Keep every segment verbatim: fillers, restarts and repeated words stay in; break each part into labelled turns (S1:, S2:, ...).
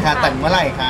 S1: คะแต่งเมื่อไหร่คะ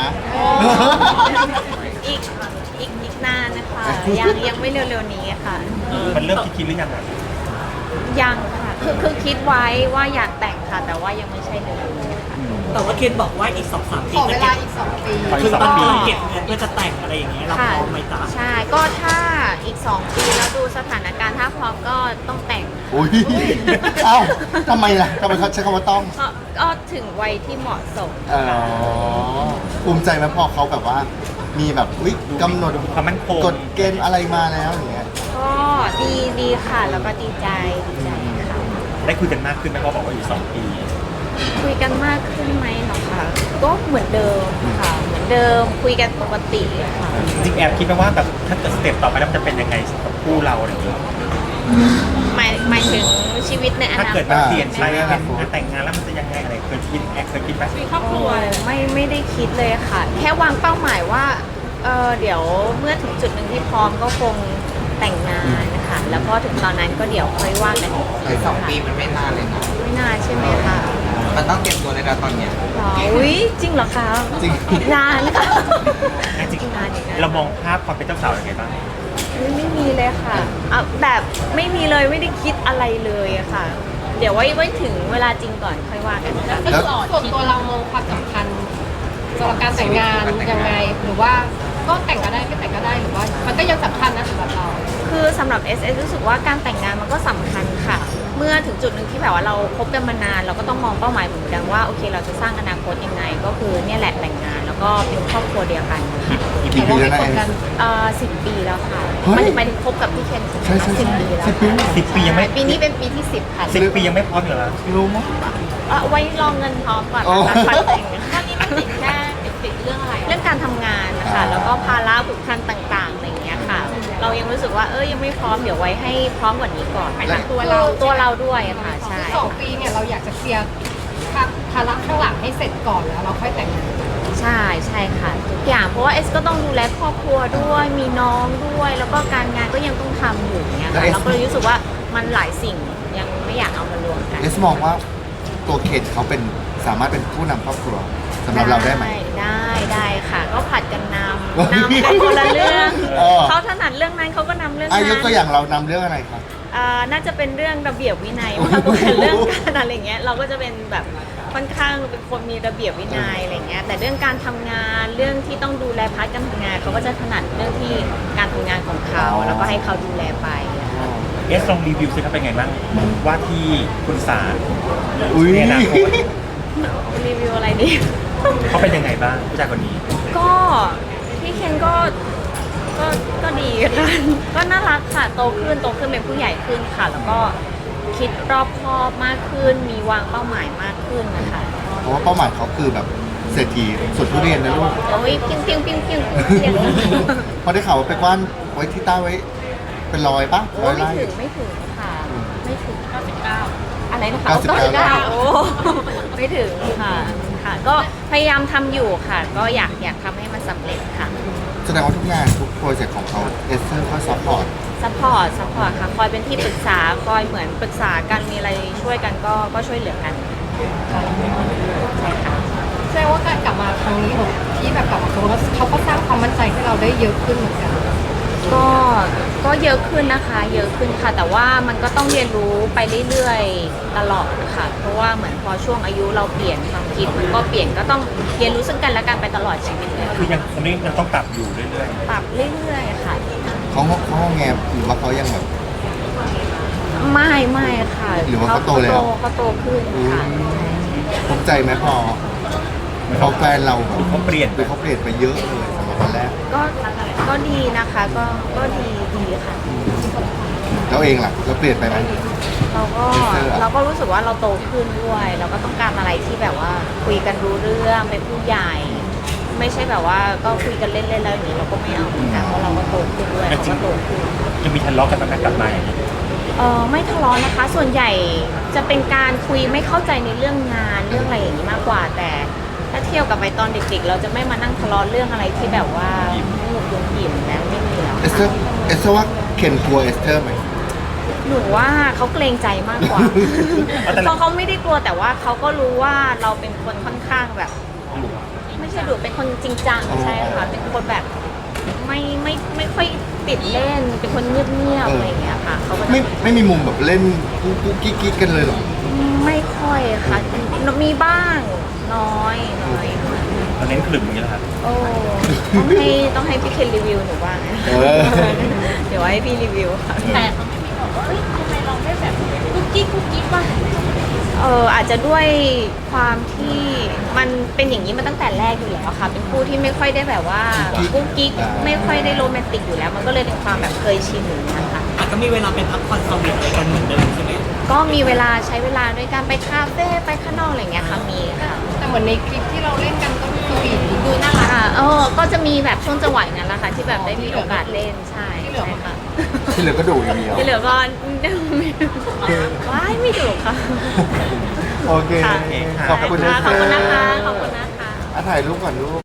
S2: อีกอีกอีกนานนะคะยังยังไม่เร็วๆนี้ค่ะ
S3: มันเริ่มคิดๆหรือยังอ่ะ
S2: ยังค่ะคือคือคิดไว้ว่าอยากแต่งค่ะ แต่ว่ายังไม่ใช่เร็วๆนี้ค่ะ
S4: แต่ว่าเคนบอกว่าอีกสองสามปี
S5: ขอเว
S4: จะ
S5: ลา
S4: เก็บ
S5: อีกสองปี
S3: ขออี
S4: คื
S3: ก
S4: อ
S3: สอง
S4: ตอน
S3: ปี
S4: นี้เก็บเงินเพื่อจะแต่งอะไรอย่างเงี้ยเรา
S2: ค่ะ
S4: พร้อมไหมจ๊ะ
S2: ใช่ก็ถ้าอีกสองปีแล้วดูสถานการณ์ถ้าพร้อมก็ต้องแต่ง
S1: อุ้ยเอ้าทำไมล่ะทำไมเขาใช้คำว่าต้อง
S2: ก็ก็ถึงวัยที่เหมาะสม
S1: อ๋อภูมิใจไหมพอเขาแบบว่า มีแบบวิกำหนด
S3: ความมั่นคง
S1: กฎเกณฑ์อะไรมาแล้วอย่างเงี้ย
S2: ก็ดีดีค่ะ แล้วก็ดีใจดีใจค่ะ
S3: ได้คุยกันมากขึ้นไหมเพราะบอกว่าอยู่สองปี
S2: คุยกันมากขึ้นไหมเหรอคะก็เหมือนเดิมค่ะ เหมือนเดิมคุยกันปกติค่ะ
S3: จริงๆแอบคิดไหมว่าแบบถ้าเกิดสเต็ปต่อไปแล้วมันจะเป็นยังไงกับคู่เราอะไรอย่างเงี้ย
S2: หมายหมายถึงชีวิตในอ
S3: ถ้า
S2: นาค
S3: เกิด
S2: ต
S3: มันเปลี่ยนไป
S1: ใช่ไหม
S3: เป็นแต่งงานแล้วมันจะยังไงอะไรเคยคิดแอบเคยคิดไหม
S2: ครอบครัวไม่ไม่ได้คิดเลยค่ะ แค่วางเป้าหมายว่าเออเดี๋ยวเมื่อถึงจุดหนึ่งที่พร้อมก็คงแต่งงานนะคะแล้วก็ถึงตอนนั้นก็เดี๋ยวค่อยว่ากันอีก
S6: ไอ้สองปีมันไม่นานเลยนะ
S2: ไม่นานใช่ไหมคะ
S6: มันต้องเตรียมตัวในระตอนเนี้ย
S2: หรออุ้ยจริงเหรอคะ
S1: จริง
S2: นานค่ะ
S3: จริง
S2: นานอย่างนั้น
S3: เรามองภาพความเป็นเจ้าสาวยังไงบ้าง
S2: ไม่ไม่มีเลยค่ะเอาแบบไม่มีเลยไม่ได้คิดอะไรเลยอะค่ะ เดี๋ยวไว้ไว้ถึงเวลาจริงก่อนค่อยว่ากันค่ะ
S1: แล้ว
S5: ส่วนตัวเรามองความสำคัญสำหรับการแต่งงานยังไง หรือว่าก็แต่งก็ได้ไม่แต่งก็ได้หรือว่า มันก็ยังสำคัญนะสำหรับเรา
S2: คือสำหรับ เอส เอส รู้สึกว่าการแต่งงานมันก็สำคัญค่ะ เมื่อถึงจุดหนึ่งที่แบบว่าเราคบกันมานานเราก็ต้องมองเป้าหมายเหมือนกันว่าโอเคเราจะสร้างอนาคตยังไง ก็คือเนี่ยแหละแต่งงานแล้วก็เป็นครอบครัวเดียวกันค่ะ
S1: กี่ปีแล้วนะเอ็ม
S2: เอ่อสิบปีแล้วค่ะ
S1: เฮ้ย
S2: มันหมายถึงคบกับพี่เคน
S1: ใช่ใช่
S2: สิบ
S1: ใช่
S2: ปีแล้ว
S1: สิบปี
S3: สิบปียังไม่
S2: ปีนี้เป็นปีที่สิบค่ะ
S3: สิบปียังไม่พร้อมอยู่แล้ว
S1: รู้มั้ย
S2: เอ่อไว้รองเงินพร้อมก่อน
S1: อ๋อ
S2: นะคะปันแต่งตอนนี้มันติดแค่ติดเรื่องอะไร เรื่องการทำงานนะคะ
S1: อ่า
S2: แล้วก็ภาระผูกพันต่างๆอะไรอย่างเงี้ยค่ะ เรายังรู้สึกว่าเออยังไม่พร้อมเดี๋ยวไว้ให้พร้อมกว่านี้ก่อน
S5: หมายถึงตัวเรา
S2: ตัวเราด้วยอะค่ะใช่
S5: สองปีเนี่ยเราอยากจะเคลียร์ภาระข้างหลังให้เสร็จก่อนแล้วเราค่อยแต่งงาน
S2: ใช่ใช่ค่ะทุกอย่างเพราะว่าเอสก็ต้องดูแลครอบครัวด้วยมีน้องด้วย แล้วก็การงานก็ยังต้องทำอยู่อย่างเงี้ยค่ะ
S1: แล้ว S
S2: เราก็เลยรู้สึกว่ามันหลายสิ่งยังไม่อยากเอามารวมกัน
S1: เอสมองว่าตัวเคนเขาเป็นสามารถเป็นผู้นำครอบครัวสำหรับเราได้ไหม
S2: ได้ได้ค่ะ ก็ผัดกันนำนำกันคนละเรื่อง
S1: เออ
S2: เขาถนัดเรื่องนั้นเขาก็นำเรื่อง
S1: อา
S2: นั้น
S1: ยุตัวอย่างเรานำเรื่องอะไรครับ
S2: อ่าน่าจะเป็นเรื่องระเบียบวินัยมากกว่าเรื่องการอะไรเงี้ยเราก็จะเป็นแบบค่อนข้างเป็นคนมีระเบียบวินัยอะไรเงี้ยแต่เรื่องการทำงานเรื่องที่ต้องดูแลพาร์ทการทำงานเขาก็จะถนัดเรื่องที่การทำงานของเขาแล้วก็ให้เขาดูแลไปอะค่ะ
S3: เอสลองรีวิวสิครับเป็นไงบ้างว่าที่คุณสาร
S1: อุ้ย
S3: ในอนาคต
S2: รีวิวอะไรดี
S3: เขาเป็นยังไงบ้างผู้ชายคนนี้
S2: ก็พี่เคนก็ก็ก็ดีค่ะ ก็น่ารักค่ะโตขึ้นโตขึ้นเป็นผู้ใหญ่ขึ้นค่ะ แล้วก็คิดรอบคอบมากขึ้น มีวางเป้าหมายมากขึ้นนะคะ
S1: เพราะว่าเป้าหมายเขาคือแบบเศรษฐีสวนทุเรียนนะลูก
S2: โอ้ยเพียงเพียงเพียงเพียงเพียง
S1: พอได้ข่าวว่าไปกว้านไว้ที่ใต้ไว้ เป็นรอยปะ
S2: โอ้
S1: ร้อย
S2: ไม่
S1: ไร่
S2: ถึงไม่ถึงค่ะ ไม่ถึง
S5: เก้าสิบเก้า
S2: อะไรนะคะ
S1: เก้าสิบเก้า
S2: โอ้ไม่ถึงค่ะค่ะ ก็พยายามทำอยู่ค่ะ ก็อยากอยากทำให้มันสำเร็จค่ะ
S1: แสดงว่าทุกงานทุกโปรเจกต์ของเขาเอสเซอร์เขาซัพพอร์ต
S2: ซัพพอร์ตซัพพอร์ตค่ะ คอยเป็นที่ปรึกษา คอยเหมือนปรึกษากันมีอะไรช่วยกันก็ก็ช่วยเหลือกันใช่ค่ะ
S5: แสดงว่าการกลับมาครั้งนี้ของที่แบบกลับมาครั้งนี้เขาก็สร้างความมั่นใจให้เราได้เยอะขึ้นเหมือนกัน
S2: ก็ก็เยอะขึ้นนะคะ เยอะขึ้นค่ะ แต่ว่ามันก็ต้องเรียนรู้ไปเรื่อยๆตลอดค่ะ เพราะว่าเหมือนพอช่วงอายุเราเปลี่ยนความคิดมันก็เปลี่ยนก็ต้องเรียนรู้ซึ่งกันและกันไปตลอดชีวิตเลย
S3: คือยังคนนี้ยังต้องปรับอยู่เรื่อย
S2: ปรับเรื่อยๆค่ะ
S1: เขาเขาแงมหรือว่าเขายังแบบ
S2: ไม่ไม่ค่ะ
S1: หรือว่าเขาโตแล้ว
S2: เขาโตขึ้นค่ะ
S1: ภูมิใจไหมพอพอแฟนเราแบบ
S3: ๆเขาเปลี่ยน
S1: คือเขาเปลี่ยนไปเยอะเลยสำหรับวันแรก
S2: ก็ก็ดีนะคะ ก็ก็ดีดีค่ะ
S1: แล้วเองล่ะเราเปลี่ยนไปไหม
S2: เราก็
S1: เจออะ
S2: เราก็รู้สึกว่าเราโตขึ้นด้วย เราก็ต้องการอะไรที่แบบว่าคุยกันรู้เรื่องเป็นผู้ใหญ่ ไม่ใช่แบบว่าก็คุยกันเล่นๆแล้วอย่างนี้เราก็ไม่เอาเหมือนกันเพราะเราก็โตขึ้นด้วยเราก็โตขึ้น
S3: จะมีทะเลาะกันบ้างไหมกลับมาอย่างนี้
S2: เออไม่ทะเลาะนะคะ ส่วนใหญ่จะเป็นการคุยไม่เข้าใจในเรื่องงานเรื่องอะไรอย่างนี้มากกว่า แต่ถ้าเที่ยวกับไปตอนเด็กๆ เราจะไม่มานั่งทะเลาะเรื่องอะไรที่แบบว่าหนุกยุ่งหยิมนะไม่มีแล้ว
S1: เอสเตอร์เอสเตอร์ว่าเคนกลัวเอสเตอร์ไหม
S2: หนูว่าเขาเกรงใจมากกว่า เพราะเขาไม่ได้กลัวแต่ว่าเขาก็รู้ว่าเราเป็นคนค่อนข้างแบบ ไม่ใช่ใช่ดุเป็นคนจริงจัง
S1: อ๋อ
S2: ใช่ค่ะเป็นคนแบบไม่ไม่ไม่ค่อยติดเล่นเป็นคนเงียบๆอะไรอย่างเงี้ยค่ะเขาก็จะ
S1: ไม่ไม่มีมุมแบบเล่นกุ๊กกุ๊กกิ๊กกิ๊กกันเลยเหรอ
S2: ไม่ค่อยค่ะมีบ้างน้อยน้อยค่ะ
S3: เราเน้นขลุ่มอย่างนี้แหละครับ
S2: โอ้ต้องให้ต้องให้พี่เคนรีวิวหนูบ้าง
S1: เออ
S2: เดี๋ยวให้พี่รีวิวค่ะ
S5: แต่เขาไม่มีบอกว่าเอ้ยทำไมเราไม่แบบกุ๊กกิ๊กกุ๊กกิ๊กวะ
S2: เอออาจจะด้วยความที่มันเป็นอย่างนี้มาตั้งแต่แรกอยู่แล้วค่ะ เป็นคู่ที่ไม่ค่อยได้แบบว่ากุ๊กกิ๊กไม่ค่อยได้โรแมนติกอยู่แล้ว มันก็เลยเป็นความแบบเคยชินอย่างนี้ยค่ะ
S4: อาจจะมีเวลาไปพักผ่อนสวีทอะไรกันเหมือนเดิมใช่ไหม
S2: ก็มีเวลาใช้เวลาด้วยการไปคาเฟ่ไปข้างนอกอะไรอย่างเงี้ยค่ะมีค่ะ
S5: แต่เหมือนในคลิปที่เราเล่นกันก็สวีทดูน่ารัก
S2: ค่ะเออก็จะมีแบบช่วงจังหวะอย่างนั้นแหละค่ะที่แบบได้มีโอกาสเล่นใช่
S5: ที่เหลือมัน
S2: ค่ะ
S1: ที่เหลือก็ดูอย่างเดียว
S2: ที่เหลือก็ว้ายไม่ถูกค่ะ
S1: โอเค
S2: ค่ะ
S1: ขอบคุณนะ
S2: ขอบคุณนะคะขอบคุณนะคะ
S1: อ่ะถ่ายรูปก่อนลูก